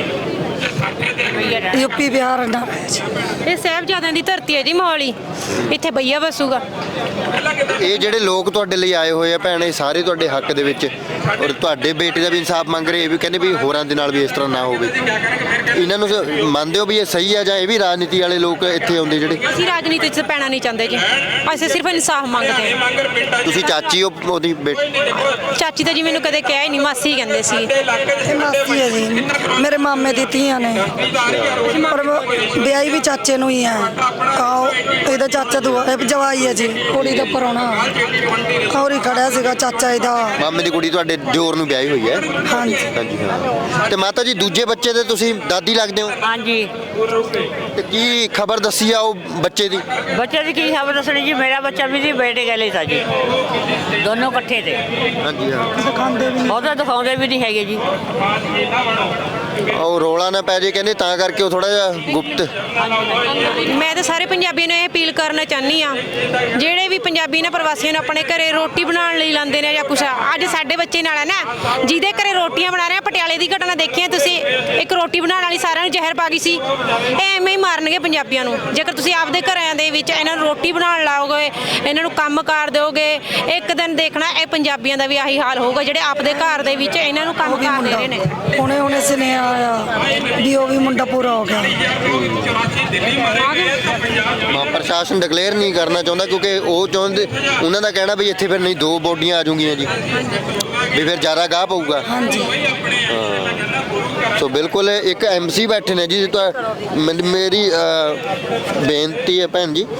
Speaker 2: ਯੂਪੀ ਬਿਹਾਰ ਨਾ ਰਹੇ ਜੀ।
Speaker 3: ਇਹ ਸਾਹਿਬਜ਼ਾਦਿਆਂ ਦੀ ਧਰਤੀ ਹੈ ਜੀ ਮੋਹਾਲੀ, ਇੱਥੇ ਭਈਆ ਵਸੂਗਾ।
Speaker 1: ਇਹ ਜਿਹੜੇ ਲੋਕ ਤੁਹਾਡੇ ਲਈ ਆਏ ਹੋਏ ਆ ਭੈਣ, ਇਹ ਸਾਰੇ ਤੁਹਾਡੇ ਹੱਕ ਦੇ ਵਿੱਚ ਔਰ ਤੁਹਾਡੇ ਬੇਟੇ ਦਾ ਵੀ ਇਨਸਾਫ ਮੰਗ ਰਹੇ, ਇਹ ਵੀ ਕਹਿੰਦੇ ਵੀ ਹੋਰਾਂ ਦੇ ਨਾਲ ਵੀ ਇਸ ਤਰ੍ਹਾਂ ਨਾ ਹੋਵੇ। ਇਹਨਾਂ ਨੂੰ ਮੰਨਦੇ ਹੋ ਵੀ ਇਹ ਸਹੀ ਆ, ਜਾਂ ਇਹ ਵੀ ਰਾਜਨੀਤੀ ਵਾਲੇ ਲੋਕ ਇੱਥੇ ਆਉਂਦੇ ਜਿਹੜੇ?
Speaker 3: ਅਸੀਂ ਰਾਜਨੀਤੀ 'ਚ ਪੈਣਾ ਨਹੀਂ ਚਾਹੁੰਦੇ ਜੀ, ਅਸੀਂ ਸਿਰਫ ਇਨਸਾਫ ਮੰਗਦੇ ਹਾਂ।
Speaker 1: ਤੁਸੀਂ ਚਾਚੀ ਹੋ ਉਹਦੀ
Speaker 3: ਚਾਚੀ ਤਾਂ ਜੀ ਮੈਨੂੰ ਕਦੇ ਕਿਹਾ ਹੀ ਨਹੀਂ, ਮਾਸੀ ਕਹਿੰਦੇ ਸੀ।
Speaker 2: ਇਹ ਮਾਸੀ ਹੈ ਜੀ, ਮੇਰੇ ਮਾਮੇ ਦੀ ਧੀਆਂ ਨੇ, ਪਰ ਵਿਆਹੀ ਵੀ ਚਾਚੇ ਨੂੰ ਹੀ ਹੈ। ਆਓ ਇਹਦਾ ਚਾਚਾ ਦੁਆ ਇਹ ਜਵਾਈ ਹੈ ਜੀ, ਕੁੜੀ ਦਾ ਪਰੋਣਾ ਔਰ ਹੀ ਖੜਿਆ ਸੀਗਾ ਚਾਚਾ ਇਹਦਾ।
Speaker 1: ਮਾਮੇ ਦੀ ਕੁੜੀ ਤੁਹਾਡੇ ਜੋਰ ਨੂੰ ਵਿਆਹੀ ਹੋਈ ਹੈ?
Speaker 2: ਹਾਂਜੀ
Speaker 1: ਹਾਂਜੀ ਹਾਂ। ਤੇ ਮਾਤਾ ਜੀ ਦੂਜੇ ਬੱਚੇ ਦੇ ਤੁਸੀਂ ਦਾਦੀ ਲੱਗਦੇ ਹੋ?
Speaker 5: ਹਾਂਜੀ।
Speaker 1: ਤੇ ਕੀ ਖਬਰ ਦੱਸੀ ਆ ਉਹ ਬੱਚੇ ਦੀ?
Speaker 5: ਬੱਚੇ ਦੀ ਕੀ ਖਬਰ ਦੱਸਣੀ ਜੀ? ਮੇਰਾ ਬੱਚਾ ਵੀ ਜੀ ਬੇਟੇ ਗਲੇ ਸੀ ਜੀ, ਦੋਨੋਂ ਇਕੱਠੇ ਤੇ।
Speaker 1: ਹਾਂਜੀ ਹਾਂ।
Speaker 2: ਦਿਖਾਉਂਦੇ ਵੀ ਨਹੀਂ।
Speaker 5: ਉਹਦਾ ਦਿਖਾਉਂਦੇ ਵੀ ਨਹੀਂ ਹੈਗੇ ਜੀ।
Speaker 1: ਉਹ ਰੋਲਾ ਨਾ ਪੈ ਜੇ ਕਹਿੰਦੇ, ਤਾਂ ਕਰਕੇ ਉਹ ਥੋੜਾ ਜਿਹਾ ਗੁਪਤ।
Speaker 3: ਮੈਂ ਤਾਂ ਸਾਰੇ ਪੰਜਾਬੀਆਂ ਨੂੰ ਇਹ ਅਪੀਲ ਕਰਨਾ ਚਾਹੁੰਦੀ ਆ, ਜਿਹੜੇ ਵੀ ਪੰਜਾਬੀ ਨੇ ਪ੍ਰਵਾਸੀਆਂ ਨੂੰ ਆਪਣੇ ਘਰੇ ਰੋਟੀ ਬਣਾਉਣ ਲਈ ਲਾਉਂਦੇ ਨੇ ਜਾਂ ਕੁਛ, ਅੱਜ ਸਾਡੇ ਬੱਚੇ ਨਾਲ ਹੈ ਨਾ ਜਿਹਦੇ ਘਰੇ ਰੋਟੀਆਂ ਬਣਾ ਰਹੇ ਆ। ਪਟਿਆਲੇ ਦੀ ਘਟਨਾ ਦੇਖੀ ਤੁਸੀਂ, ਇੱਕ ਰੋਟੀ ਬਣਾਉਣ ਵਾਲੀ ਸਾਰਿਆਂ ਨੂੰ ਜ਼ਹਿਰ ਪਾ ਗਈ ਸੀ। ਇਹ ਐਵੇਂ ਹੀ ਮਾਰਨਗੇ ਪੰਜਾਬੀਆਂ ਨੂੰ। ਜੇਕਰ ਤੁਸੀਂ ਆਪਦੇ ਘਰਾਂ ਦੇ ਵਿੱਚ ਇਹਨਾਂ ਨੂੰ ਰੋਟੀ ਬਣਾਉਣ ਲਾਓਗੇ, ਇਹਨਾਂ ਨੂੰ ਕੰਮ ਕਾਰ ਦਿਓਗੇ, ਇੱਕ ਦਿਨ ਦੇਖਣਾ ਇਹ ਪੰਜਾਬੀਆਂ ਦਾ ਵੀ ਆਹੀ ਹਾਲ ਹੋਊਗਾ, ਜਿਹੜੇ ਆਪਦੇ ਘਰ ਦੇ ਵਿੱਚ ਇਹਨਾਂ ਨੂੰ ਕੰਮ ਕਾਰ ਦੇ ਰਹੇ ਨੇ।
Speaker 2: ਹੁਣੇ ਸੁਨੇਹਾ ਆਇਆ ਵੀ ਉਹ ਵੀ ਮੁੰਡਾ ਪੂਰਾ ਹੋ ਗਿਆ।
Speaker 1: ਪ੍ਰਸ਼ਾਸਨ ਡਿਕਲੇਅਰ ਨਹੀਂ ਕਰਨਾ ਚਾਹੁੰਦਾ, ਕਿਉਂਕਿ ਉਹ ਚਾਹੁੰਦੇ, ਉਹਨਾਂ ਦਾ ਕਹਿਣਾ ਵੀ ਇੱਥੇ ਫਿਰ ਨਹੀਂ 2 ਬੋਡੀਆਂ ਆ ਜਾਊਗੀਆਂ ਜੀ, ਵੀ ਫਿਰ ਜ਼ਿਆਦਾ ਗਾਹ ਪਊਗਾ।
Speaker 2: ਹਾਂਜੀ
Speaker 1: ਸੋ ਬਿਲਕੁਲ ਇੱਕ MC ਬੈਠੇ ਨੇ ਜੀ। ਮੇਰੀ ਬੇਨਤੀ ਹੈ ਭੈਣ ਜੀ,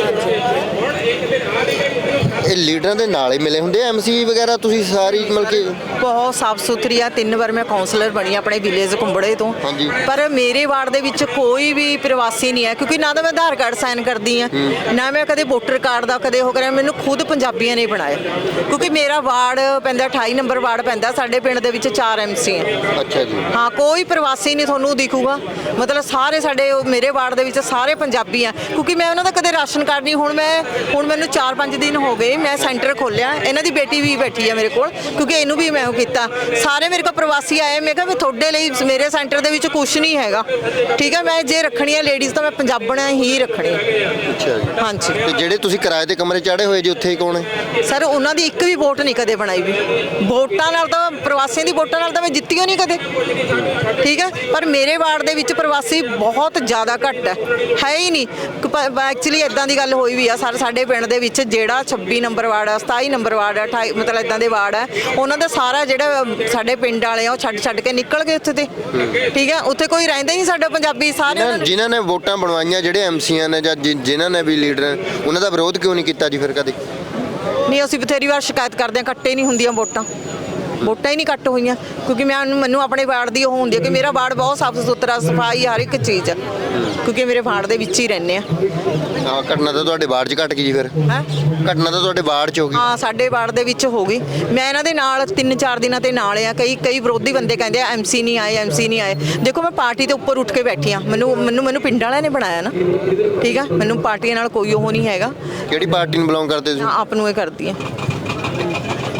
Speaker 1: ਇਹ ਲੀਡਰਾਂ ਦੇ ਨਾਲ ਹੀ ਮਿਲੇ ਹੁੰਦੇ MC ਵਗੈਰਾ ਤੁਸੀਂ ਸਾਰੀ ਮਤਲਬ ਕਿ?
Speaker 6: ਬਹੁਤ ਸਾਫ ਸੁਥਰੀ ਆ। 3 ਵਾਰ ਮੈਂ ਕਾਉਂਸਲਰ ਬਣੀ ਆਪਣੇ ਵਿਲੇਜ ਕੁੰਬੜੇ ਤੋਂ।
Speaker 1: ਹਾਂਜੀ।
Speaker 6: ਪਰ ਮੇਰੇ ਵਾਰਡ ਦੇ ਵਿੱਚ ਕੋਈ ਵੀ ਪ੍ਰਵਾਸੀ ਨਹੀਂ ਹੈ, ਕਿਉਂਕਿ ਨਾ ਤਾਂ ਮੈਂ ਆਧਾਰ ਕਾਰਡ ਸਾਈਨ ਕਰਦੀ ਆ, ਨਾ ਮੈਂ ਕਦੇ ਵੋਟਰ ਕਾਰਡ ਦਾ ਕਦੇ ਹੋ ਕਰਿਆ। ਮੈਨੂੰ ਖੁਦ ਪੰਜਾਬੀਆਂ ਨੇ ਬਣਾਇਆ, ਕਿਉਂਕਿ ਮੇਰਾ ਵਾਰਡ ਪੈਂਦਾ 28 ਨੰਬਰ ਵਾਰਡ ਪੈਂਦਾ। ਸਾਡੇ ਪਿੰਡ ਦੇ ਵਿੱਚ 4 MC ਹੈ।
Speaker 1: ਅੱਛਾ ਜੀ।
Speaker 6: ਹਾਂ, ਕੋਈ ਪ੍ਰਵਾਸੀ ਨਹੀਂ ਤੁਹਾਨੂੰ ਦਿਖੂਗਾ। ਮਤਲਬ ਸਾਰੇ ਸਾਡੇ ਮੇਰੇ ਵਾਰਡ ਦੇ ਵਿੱਚ ਸਾਰੇ ਪੰਜਾਬੀ ਆ, ਕਿਉਂਕਿ ਮੈਂ ਉਹਨਾਂ ਦਾ ਕਦੇ ਰਾਸ਼ਨ ਕਾਰਡ ਨਹੀਂ। ਹੁਣ ਮੈਨੂੰ 4-5 ਦਿਨ ਹੋ ਗਏ ਮੈਂ ਸੈਂਟਰ ਖੋਲਿਆ। ਇਹਨਾਂ ਦੀ ਬੇਟੀ ਵੀ ਬੈਠੀ ਆ ਮੇਰੇ ਕੋਲ, ਕਿਉਂਕਿ ਇਹਨੂੰ ਵੀ ਮੈਂ ਉਹ ਕੀਤਾ। ਸਾਰੇ ਮੇਰੇ ਕੋਲ ਪ੍ਰਵਾਸੀ ਆਏ। ਮੈਂ ਕਿਹਾ ਵੀ ਤੁਹਾਡੇ ਲਈ ਮੇਰੇ ਸੈਂਟਰ ਦੇ ਵਿੱਚ ਕੁਝ ਨਹੀਂ ਹੈਗਾ, ਠੀਕ ਹੈ। ਮੈਂ ਜੇ ਰੱਖਣੀ ਹੈ ਲੇਡੀਜ਼ ਤਾਂ ਮੈਂ ਪੰਜਾਬਣਾਂ ਹੀ ਰੱਖਣੀ।
Speaker 1: ਅੱਛਾ ਜੀ।
Speaker 6: ਹਾਂਜੀ।
Speaker 1: ਤੇ ਜਿਹੜੇ ਤੁਸੀਂ ਕਿਰਾਏ ਦੇ ਕਮਰੇ ਚਾੜੇ ਹੋਏ ਜੀ, ਉੱਥੇ ਕੌਣ ਹੈ?
Speaker 6: ਸਰ ਉਹਨਾਂ ਦੀ ਇੱਕ ਵੀ ਵੋਟ ਨਹੀਂ ਕਦੇ ਬਣਾਈ ਵੀ। ਵੋਟਾਂ ਨਾਲ ਤਾਂ ਪ੍ਰਵਾਸੀਆਂ ਦੀ ਵੋਟਾਂ ਨਾਲ ਤਾਂ ਮੈਂ ਜਿੱਤੀ ਨਹੀਂ ਕਦੇ, ਠੀਕ ਹੈ। ਪਰ ਮੇਰੇ ਵਾਰਡ ਦੇ ਵਿੱਚ ਪ੍ਰਵਾਸੀ ਬਹੁਤ ਜ਼ਿਆਦਾ ਘੱਟ ਹੈ ਹੀ ਨਹੀਂ। ਐਕਚੁਅਲੀ ਇਦਾਂ ਦੀ ਗੱਲ ਹੋਈ ਵੀ ਆ ਸਾਡੇ ਪਿੰਡ ਦੇ ਵਿੱਚ, ਜਿਹੜਾ 26 ਨੰਬਰ ਵਾਰਡ ਆ, 27 ਨੰਬਰ ਵਾਰਡ ਆ, 28 ਮਤਲਬ ਇਦਾਂ ਦੇ ਵਾਰਡ ਆ, ਉਹਨਾਂ ਦਾ ਸਾਰਾ ਜਿਹੜਾ ਸਾਡੇ ਪਿੰਡ ਵਾਲੇ ਆ ਉਹ ਛੱਡ ਕੇ ਨਿਕਲ ਗਏ ਉੱਥੇ ਤੇ, ਠੀਕ ਹੈ। ਉੱਥੇ ਕੋਈ ਰਹਿੰਦਾ ਹੀ ਨਹੀਂ ਸਾਡਾ ਪੰਜਾਬੀ। ਸਾਰੇ
Speaker 1: ਜਿਨ੍ਹਾਂ ਨੇ ਵੋਟਾਂ ਬਣਵਾਈਆਂ, ਜਿਹੜੇ MCਆਂ ਨੇ ਜਾਂ ਜਿਨ੍ਹਾਂ ਨੇ ਵੀ ਲੀਡਰ, ਉਹਨਾਂ ਦਾ ਵਿਰੋਧ ਕਿਉਂ ਨਹੀਂ ਕੀਤਾ ਜੀ ਫਿਰ ਕਦੇ?
Speaker 6: ਨਹੀਂ, ਅਸੀਂ ਬਥੇਰੀ ਵਾਰ ਸ਼ਿਕਾਇਤ ਕਰਦੇ ਹਾਂ, ਕੱਟੇ ਨਹੀਂ ਹੁੰਦੀਆਂ ਵੋਟਾਂ ਹੀ ਨਹੀਂ ਕੱਟ ਹੋਈਆਂ, ਕਿਉਂਕਿ ਮੈਨੂੰ ਆਪਣੇ ਵਾਰਡ ਦੀ ਉਹ ਹੁੰਦੀ ਹੈ ਕਿ ਮੇਰਾ ਵਾਰਡ ਬਹੁਤ ਸਾਫ ਸੁਥਰਾ, ਸਫਾਈ ਹਰ ਇੱਕ ਚੀਜ਼ ਹੈ, ਕਿਉਂਕਿ ਮੇਰੇ ਵਾਰਡ ਦੇ ਵਿੱਚ ਹੀ ਰਹਿੰਦੇ ਆ।
Speaker 1: ਹਾਂ, ਘਟਨਾ ਤਾਂ ਤੁਹਾਡੇ ਵਾਰਡ 'ਚ ਘਟ ਗਈ ਜੀ ਫਿਰ?
Speaker 6: ਹੈ
Speaker 1: ਘਟਨਾ ਤਾਂ ਤੁਹਾਡੇ ਵਾਰਡ 'ਚ ਹੋ ਗਈ? ਹਾਂ,
Speaker 6: ਸਾਡੇ ਵਾਰਡ ਦੇ ਵਿੱਚ ਹੋ ਗਈ। ਮੈਂ ਇਹਨਾਂ ਦੇ ਨਾਲ 3-4 ਦਿਨਾਂ ਤੇ ਨਾਲ ਆ। ਕਈ ਵਿਰੋਧੀ ਬੰਦੇ ਕਹਿੰਦੇ ਆ MC ਨਹੀਂ ਆਏ। ਦੇਖੋ, ਮੈਂ ਪਾਰਟੀ ਦੇ ਉੱਪਰ ਉੱਠ ਕੇ ਬੈਠੀ ਆ। ਮੈਨੂੰ ਪਿੰਡ ਵਾਲਿਆਂ ਨੇ ਬਣਾਇਆ ਨਾ, ਠੀਕ ਆ। ਮੈਨੂੰ ਪਾਰਟੀਆਂ ਨਾਲ ਕੋਈ ਉਹ ਨਹੀਂ ਹੈਗਾ।
Speaker 1: ਕਿਹੜੀ ਪਾਰਟੀ ਨੂੰ ਬਿਲੋਂਗ ਕਰਦੇ ਤੁਸੀਂ?
Speaker 6: ਆਪ ਨੂੰ ਇਹ ਕਰਦੀ ਆ।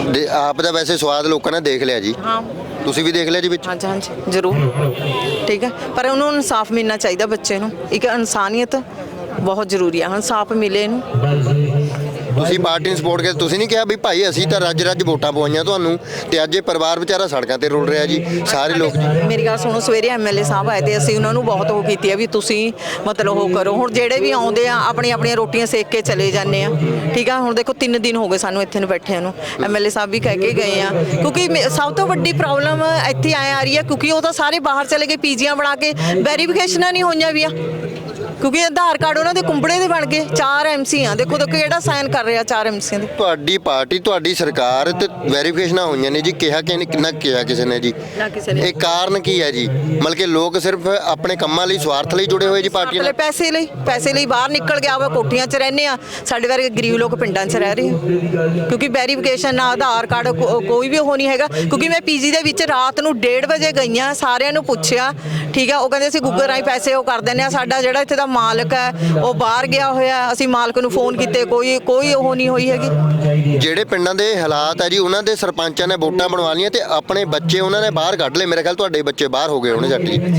Speaker 1: ਆਪ ਦਾ ਵੈਸੇ ਸਵਾਦ ਲੋਕਾਂ ਨੇ ਦੇਖ ਲਿਆ ਜੀ,
Speaker 6: ਹਾਂ
Speaker 1: ਤੁਸੀਂ ਵੀ ਦੇਖ ਲਿਆ ਜੀ ਵਿੱਚ।
Speaker 6: ਹਾਂਜੀ ਹਾਂਜੀ ਜ਼ਰੂਰ, ਠੀਕ ਹੈ, ਪਰ ਉਹਨੂੰ ਇਨਸਾਫ ਮਿਲਣਾ ਚਾਹੀਦਾ ਬੱਚੇ ਨੂੰ। ਇੱਕ ਇਨਸਾਨੀਅਤ ਬਹੁਤ ਜ਼ਰੂਰੀ ਹੈ, ਇਨਸਾਫ ਮਿਲੇ ਇਹਨੂੰ।
Speaker 1: ਤੁਸੀਂ ਪਾਰਟੀ ਨੂੰ ਸਪੋਰਟ ਕਰਦੇ, ਤੁਸੀਂ ਨਹੀਂ ਕਿਹਾ ਵੀ ਭਾਈ ਅਸੀਂ ਤਾਂ ਰੱਜ ਰੱਜ ਵੋਟਾਂ ਪਵਾਈਆਂ ਤੁਹਾਨੂੰ ਤੇ ਅੱਜ ਇਹ ਪਰਿਵਾਰ ਵਿਚਾਰਾ ਸੜਕਾਂ ਤੇ ਰੁਲ ਰਿਹਾ ਜੀ, ਸਾਰੇ ਲੋਕ।
Speaker 6: ਮੇਰੀ ਗੱਲ ਸੁਣੋ, ਸਵੇਰੇ ਐਮਐਲਏ ਸਾਹਿਬ ਆਏ ਤੇ ਅਸੀਂ ਉਹਨਾਂ ਨੂੰ ਬਹੁਤ ਉਹ ਕੀਤੀ ਹੈ ਵੀ ਤੁਸੀਂ ਮਤਲਬ ਉਹ ਕਰੋ। ਹੁਣ ਜਿਹੜੇ ਵੀ ਆਉਂਦੇ ਆ ਆਪਣੀਆਂ ਰੋਟੀਆਂ ਸੇਕ ਕੇ ਚਲੇ ਜਾਂਦੇ ਆ, ਠੀਕ ਆ। ਹੁਣ ਦੇਖੋ 3 ਦਿਨ ਹੋ ਗਏ ਸਾਨੂੰ ਇੱਥੇ ਨੂੰ ਬੈਠਿਆਂ ਨੂੰ, ਐਮਐਲਏ ਸਾਹਿਬ ਵੀ ਕਹਿ ਕੇ ਗਏ ਆ, ਕਿਉਂਕਿ ਸਭ ਤੋਂ ਵੱਡੀ ਪ੍ਰੋਬਲਮ ਇੱਥੇ ਆ ਰਹੀ ਹੈ ਕਿਉਂਕਿ ਉਹ ਤਾਂ ਸਾਰੇ ਬਾਹਰ ਚਲੇ ਗਏ, ਪੀਜੀਆਂ ਬਣਾ ਕੇ ਵੈਰੀਫਿਕੇਸ਼ਨਾਂ ਨਹੀਂ ਹੋਈਆਂ ਵੀ ਆ, ਕਿਉਂਕਿ ਆਧਾਰ ਕਾਰਡ ਉਹਨਾਂ ਦੇ ਕੁੰਬੜੇ ਦੇ ਬਣ ਗਏ। 4 ਐਮਸੀ ਆ, ਦੇਖੋ ਕਿਹੜਾ ਸਾਈਨ ਕਰ ਰਿਹਾ 4 ਐਮਸੀਆਂ ਦੇ।
Speaker 1: ਤੁਹਾਡੀ ਪਾਰਟੀ, ਤੁਹਾਡੀ ਸਰਕਾਰ ਤੇ ਵੈਰੀਫਿਕੇਸ਼ਨਾਂ ਹੋਈਆਂ ਨੇ ਜੀ, ਕਿਹਾ ਕਿ ਕਿੰਨਾ ਕਿਹਾ ਕਿਸੇ ਨੇ ਜੀ,
Speaker 6: ਨਾ ਕਿਸੇ ਨੇ।
Speaker 1: ਇਹ ਕਾਰਨ ਕੀ ਹੈ ਜੀ? ਮਤਲਬ ਕਿ ਲੋਕ ਸਿਰਫ ਆਪਣੇ ਕੰਮਾਂ ਲਈ, ਸਵਾਰਥ ਲਈ ਜੁੜੇ ਹੋਏ ਜੀ ਪਾਰਟੀਆਂ ਨਾਲ।
Speaker 6: ਪੈਸੇ ਲਈ ਬਾਹਰ ਨਿਕਲ ਗਿਆ ਵਾ, ਕੋਠੀਆਂ 'ਚ ਰਹਿੰਦੇ ਆ। ਸਾਡੇ ਵਰਗੇ ਗਰੀਬ ਲੋਕ ਪਿੰਡਾਂ 'ਚ ਰਹਿ ਰਹੇ ਆ, ਕਿਉਂਕਿ ਵੈਰੀਫਿਕੇਸ਼ਨ ਨਾ ਆਧਾਰ ਕਾਰਡ ਕੋਈ ਵੀ ਉਹ ਨਹੀਂ ਹੈਗਾ। ਕਿਉਂਕਿ ਮੈਂ ਪੀਜੀ ਦੇ ਵਿੱਚ ਰਾਤ ਨੂੰ 1:30 ਵਜੇ ਗਈ ਆ, ਸਾਰਿਆਂ ਨੂੰ ਪੁੱਛਿਆ, ਠੀਕ ਆ। ਉਹ ਕਹਿੰਦੇ ਅਸੀਂ ਗੂਗਲ ਰਾਹੀਂ ਪੈਸੇ ਉਹ ਕਰ ਦਿੰਦੇ ਆ। ਸਾਡਾ ਜਿਹੜਾ ਇੱਥੇ ਦਾ ਮਾਲਕ ਹੈ ਉਹ ਬਾਹਰ ਗਿਆ ਹੋਇਆ, ਅਸੀਂ ਮਾਲਕ ਨੂੰ ਫੋਨ ਕੀਤੇ, ਕੋਈ ਉਹ ਨਹੀਂ ਹੋਈ ਹੈਗੀ।
Speaker 1: ਜਿਹੜੇ ਪਿੰਡਾਂ ਦੇ ਹਾਲਾਤ ਹੈ ਜੀ, ਉਹਨਾਂ ਦੇ ਸਰਪੰਚਾਂ ਨੇ ਵੋਟਾਂ ਬਣਵਾ ਲਈਆਂ ਤੇ ਆਪਣੇ ਬੱਚੇ ਉਹਨਾਂ ਨੇ ਬਾਹਰ ਕੱਢ ਲਏ। ਮੇਰੇ ਖਿਆਲ ਤੁਹਾਡੇ ਬੱਚੇ ਬਾਹਰ ਹੋ ਗਏ ਹੋਣੇ ਜੱਟ ਜੀ,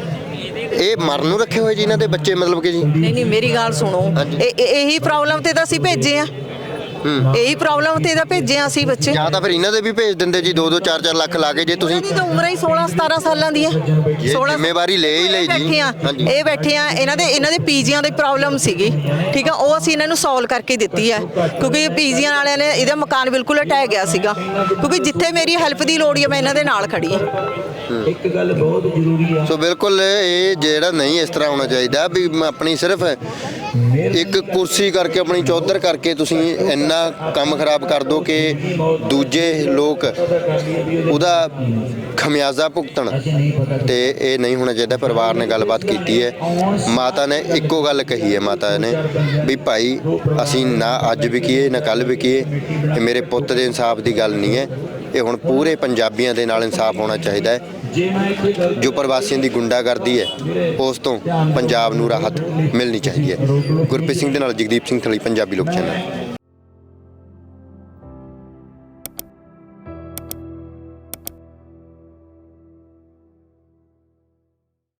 Speaker 1: ਇਹ ਮਰਨ ਨੂੰ ਰੱਖੇ ਹੋਏ ਜੀ ਇਹਨਾਂ ਦੇ ਬੱਚੇ, ਮਤਲਬ ਕਿ ਜੀ।
Speaker 6: ਨਹੀਂ ਮੇਰੀ ਗੱਲ ਸੁਣੋ, ਇਹੀ ਪ੍ਰੋਬਲਮ ਤੇ ਤਾਂ ਅਸੀਂ ਭੇਜੇ ਆ, ਇਹੀ ਪ੍ਰੋਬਲਮ ਤੇ ਤਾਂ ਭੇਜੇ ਆ ਅਸੀਂ ਬੱਚੇ।
Speaker 1: ਜਾਂ ਤਾਂ ਫਿਰ ਇਹਨਾਂ ਦੇ ਵੀ ਭੇਜ ਦਿੰਦੇ ਜੀ 2-2 4-4 ਲੱਖ ਲਾ ਕੇ, ਜੇ ਤੁਸੀਂ।
Speaker 6: ਇਹਨਾਂ ਦੀ ਤਾਂ ਉਮਰ ਹੀ 16-17 ਸਾਲਾਂ ਦੀ ਹੈ। 16
Speaker 1: ਜ਼ਿੰਮੇਵਾਰੀ ਲੈ ਹੀ ਲਈ ਜੀ।
Speaker 6: ਇਹ ਬੈਠੇ ਆ, ਇਹਨਾਂ ਦੇ ਪੀਜੀਆਂ ਦੀ ਪ੍ਰੋਬਲਮ ਸੀਗੀ, ਠੀਕ ਆ। ਉਹ ਅਸੀਂ ਇਹਨਾਂ ਨੂੰ ਸੋਲਵ ਕਰਕੇ ਦਿੱਤੀ ਹੈ, ਕਿਉਂਕਿ ਪੀਜੀਆਂ ਵਾਲਿਆਂ ਨੇ ਇਹਦਾ ਮਕਾਨ ਬਿਲਕੁਲ ਢਹਿ ਗਿਆ ਸੀਗਾ। ਕਿਉਂਕਿ ਜਿੱਥੇ ਮੇਰੀ ਹੈਲਪ ਦੀ ਲੋੜ ਹੈ ਮੈਂ ਇਹਨਾਂ ਦੇ ਨਾਲ ਖੜੀ ਹਾਂ।
Speaker 7: ਇੱਕ ਗੱਲ ਬਹੁਤ ਜ਼ਰੂਰੀ ਆ।
Speaker 1: ਸੋ ਬਿਲਕੁਲ ਇਹ ਜਿਹੜਾ ਨਹੀਂ ਇਸ ਤਰ੍ਹਾਂ ਹੋਣਾ ਚਾਹੀਦਾ ਵੀ ਆਪਣੀ ਸਿਰਫ ਇੱਕ ਕੁਰਸੀ ਕਰਕੇ, ਆਪਣੀ ਚੌਧਰ ਕਰਕੇ ਤੁਸੀਂ ਇੰਨਾ ਕੰਮ ਖਰਾਬ ਕਰ ਦੋ ਕਿ ਦੂਜੇ ਲੋਕ ਉਹਦਾ ਖਮਿਆਜ਼ਾ ਭੁਗਤਣ, ਤੇ ਇਹ ਨਹੀਂ ਹੋਣਾ ਚਾਹੀਦਾ। ਪਰਿਵਾਰ ਨੇ ਗੱਲਬਾਤ ਕੀਤੀ ਹੈ, ਮਾਤਾ ਨੇ ਇੱਕੋ ਗੱਲ ਕਹੀ ਹੈ, ਮਾਤਾ ਨੇ ਵੀ ਭਾਈ ਅਸੀਂ ਨਾ ਅੱਜ ਵੀ ਕੀਏ ਨਾ ਕੱਲ੍ਹ ਵੀ ਕੀਏ, ਇਹ ਮੇਰੇ ਪੁੱਤ ਦੇ ਇਨਸਾਫ ਦੀ ਗੱਲ ਨਹੀਂ ਹੈ, ਇਹ ਹੁਣ ਪੂਰੇ ਪੰਜਾਬੀਆਂ ਦੇ ਨਾਲ ਇਨਸਾਫ ਹੋਣਾ ਚਾਹੀਦਾ ਹੈ। ਜੋ ਪ੍ਰਵਾਸੀਆਂ ਦੀ ਗੁੰਡਾਗਰਦੀ ਹੈ ਉਸ ਤੋਂ ਪੰਜਾਬ ਨੂੰ ਰਾਹਤ ਮਿਲਣੀ ਚਾਹੀਦੀ ਹੈ। ਗੁਰਪ੍ਰੀਤ ਸਿੰਘ ਦੇ ਨਾਲ ਜਗਦੀਪ ਸਿੰਘ ਥਲੀ, ਪੰਜਾਬੀ ਲੋਕ ਚੈਨਲ।